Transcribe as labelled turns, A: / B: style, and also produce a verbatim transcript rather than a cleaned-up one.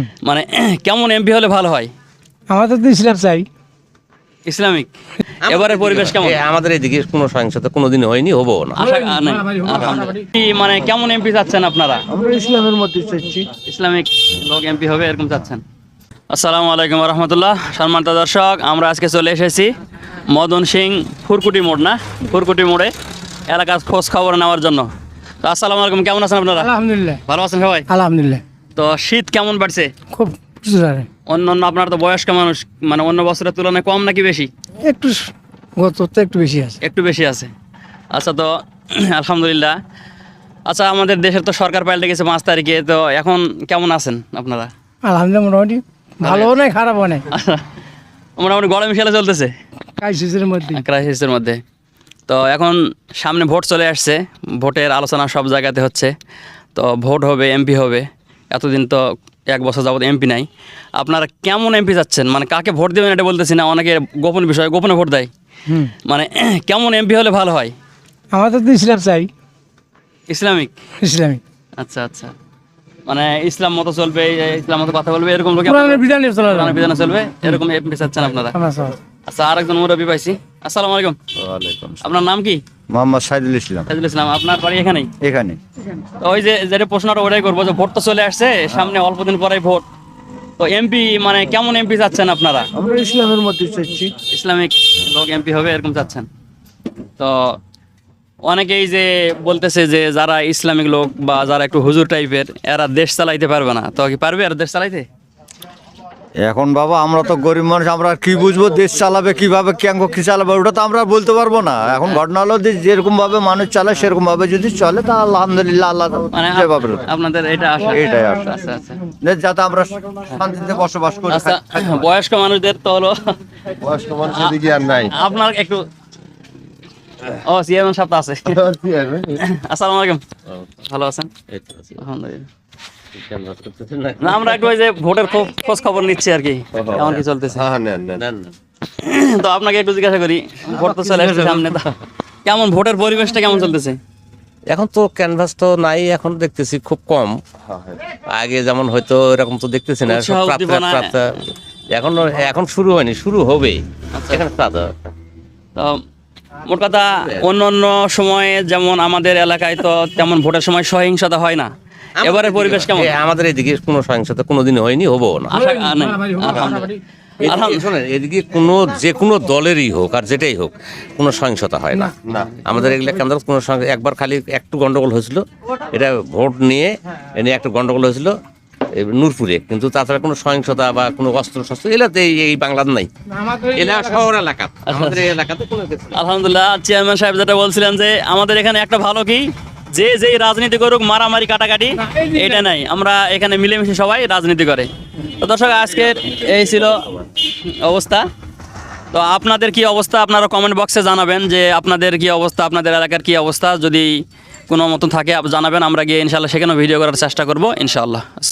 A: মানে কেমন এমপি হলে ভালো হয়?
B: আমাদের তো ইসলাম চাই।
A: ইসলামিক। এবারে পরিবেশ কেমন?
C: আমাদের এদিকে কোনো সহিংসতা কোনোদিনই হয়নি, হবো না।
A: আশা নেই আলহামদুলিল্লাহ। কি মানে কেমন এমপি চাচ্ছেন আপনারা?
B: আমরা ইসলামের মধ্যে চাচ্ছি।
A: ইসলামিক লোক এমপি হবে এরকম চাচ্ছেন? আসসালামু আলাইকুম রহমতুল্লাহ। সম্মানিত দর্শক, আমরা আজকে চলে এসেছি মদন সিং ফুরকুটি মোড়, না ফুরকুটি মোড়ে এলাকার খোঁজ খবর নেওয়ার জন্য। তো আসসালামু আলাইকুম, কেমন আছেন আপনারা?
B: আলহামদুলিল্লাহ।
A: ভালো আছেন সবাই?
B: আলহামদুলিল্লাহ।
A: তো শীত কেমন বাড়ছে?
B: খুব জোরে।
A: অন্য অন্য আপনার তো বয়স্ক মানুষ, মানে অন্য বছরের তুলনায় কম নাকি বেশি?
B: একটু গত তো একটু বেশি আছে।
A: একটু বেশি আছে। আচ্ছা, তো আলহামদুলিল্লাহ। আচ্ছা, আমাদের দেশের তো সরকার পাল্টে গেছে পাঁচ তারিখে, তো এখন কেমন আছেন আপনারা?
B: আলহামদুলিল্লাহ, মোটামুটি ভালোও নাই খারাপও নাই,
A: আচ্ছা, মোটামুটি গরম খেলে চলতেছে
B: ক্রাইসিসের মধ্যে।
A: ক্রাইসিসের মধ্যে। তো এখন সামনে ভোট চলে আসছে, ভোটের আলোচনা সব জায়গাতে হচ্ছে। তো ভোট হবে, এমপি হবে। এতদিন তো এক বছর যাবত এমপি নাই। আপনারা কেমন এমপি চাচ্ছেন? মানে কাকে ভোট দেবেন এটা বলতেছি না, অনেকে গোপন বিষয়, গোপনে ভোট দেয়।
B: হুম,
A: মানে কেমন এমপি হলে ভালো হয়?
B: আমাদের তো ইসলাম চাই।
A: ইসলামিক।
B: ইসলামিক
A: আচ্ছা আচ্ছা, মানে ইসলাম মতো চলবে, ইসলাম মতো কথা বলবে, এরকম লোক
B: কোরআনের বিধানে চলা যাবে।
A: কোরআনের বিধানে চলবে, এরকম এমপি চাচ্ছেন আপনারা?
B: আমরা চাই।
A: আচ্ছা, আরেকজন মুরব্বী পাইছি। আসসালামু আলাইকুম।
C: ওয়ালাইকুম
A: আপনার নাম কি?
D: মোহাম্মদ সাইদুল ইসলাম।
A: সাইদুল ইসলাম। আপনার বাড়ি এখানেই?
D: এখানে
A: তো ওই যে যেটা প্রশ্নটা ওটাই করবো, যে ভোট তো চলে আসছে সামনে, অল্প দিন পরেই ভোট। তো এমপি মানে কেমন এমপি চাচ্ছেন আপনারা?
B: আমরা ইসলামের মধ্যে চাচ্ছি।
A: ইসলামিক লোক এমপি হবে এরকম চাচ্ছেন? তো অনেকেই যে বলতেছে যে যারা ইসলামিক লোক বা যারা একটু হুজুর টাইপের, এরা দেশ চালাইতে পারবে না। তো কি পারবে এরা দেশ চালাইতে?
D: এখন বাবা আমরা তো গরিব মানুষ, আমরা আর কি বুঝবো দেশ চালাবে কিভাবে, কেন কি চালাবে, ওটা তো আমরা বলতে পারবো না। এখন ঘটনা হলো যে যেরকম ভাবে মানুষ চালায় সেরকম ভাবে যদি চলে তা আলহামদুলিল্লাহ, আল্লাহ
A: মানে
D: যেভাবে
A: আপনাদের এটা আশা?
D: এটাই আশা।
A: আচ্ছা আচ্ছা
D: যে যাতে আমরা শান্তিতে বসবাস করি।
A: আচ্ছা, বয়স্ক মানুষদের তো হলো,
C: বয়স্ক মানুষের দিকে আর নাই।
A: আপনার একটু, ও চেয়ারম্যান সাহেব তো আছে। আসসালামু আলাইকুম, ভালো আছেন? আলহামদুলিল্লাহ। না, আমরা একটু ওই যে ভোটের খো- খোঁজ খবর নিচ্ছি আর কি, কেমন কি চলতেছে।
C: হ্যাঁ, নেন নেন।
A: তো আপনাকে একটু জিজ্ঞাসা করি, ভোট তো চলে আসছে সামনে, তো কেমন ভোটের পরিবেশটা কেমন চলতেছে?
C: এখন তো ক্যানভাস তো নাই, এখন দেখতেছি খুব কম। আগে যেমন হয়তো এরকম তো দেখতেছি না।
A: উৎসাহ,
C: সব প্রার্থী-
A: উদ্দীপনা।
C: প্রার্থী- এখন এখন শুরু হয়নি, শুরু হবে এখানে প্রার্থী।
A: তো মোট কথা, অন্য অন্য সময়ে যেমন আমাদের এলাকায় তো তেমন ভোটের সময় সহিংসতা হয় না। এবারে পরিবেশ কেমন?
C: এ, আমাদের এদিকে কোনো সহিংসতা কোনোদিনই হয়নি, হবো না।
A: আশা নেই আলহামদুলিল্লাহ।
C: এদিকে শোনেন, এদিকে কোনো যে কোনো দলেরই হোক আর যেটাই হোক, কোনো সহিংসতা হয় না। আমাদের এগুলো কেন্দ্র কোনো সহিংস- একবার খালি একটু গন্ডগোল হয়েছিল, এটা ভোট নিয়ে এ নিয়ে একটু গন্ডগোল হয়েছিল এই নূরপুরে, কিন্তু তাছাড়া কোনো সহিংসতা বা কোনো অস্ত্র শস্ত্র এলাতে এই এই বাংলার নাই। এলা শহর এলাকা, আমাদের এই এলাকাতে কোনো কিছু নেই।
A: আলহামদুলিল্লাহ। চেয়ারম্যান সাহেব যেটা বলছিলেন যে আমাদের এখানে একটা ভালো কি, যে যেই রাজনীতি করুক, মারামারি কাটাকাটি এটা নাই, আমরা এখানে মিলেমিশে সবাই রাজনীতি করে। তো দর্শক, আজকের এই ছিল অবস্থা। তো আপনাদের কি অবস্থা আপনারা কমেন্ট বক্সে জানাবেন, যে আপনাদের কি অবস্থা, আপনাদের এলাকার কি অবস্থা। যদি কোনো মতন থাকে জানাবেন, আমরা গিয়ে ইনশাল্লাহ সেখানেও ভিডিও করার চেষ্টা করবো ইনশাআল্লাহ।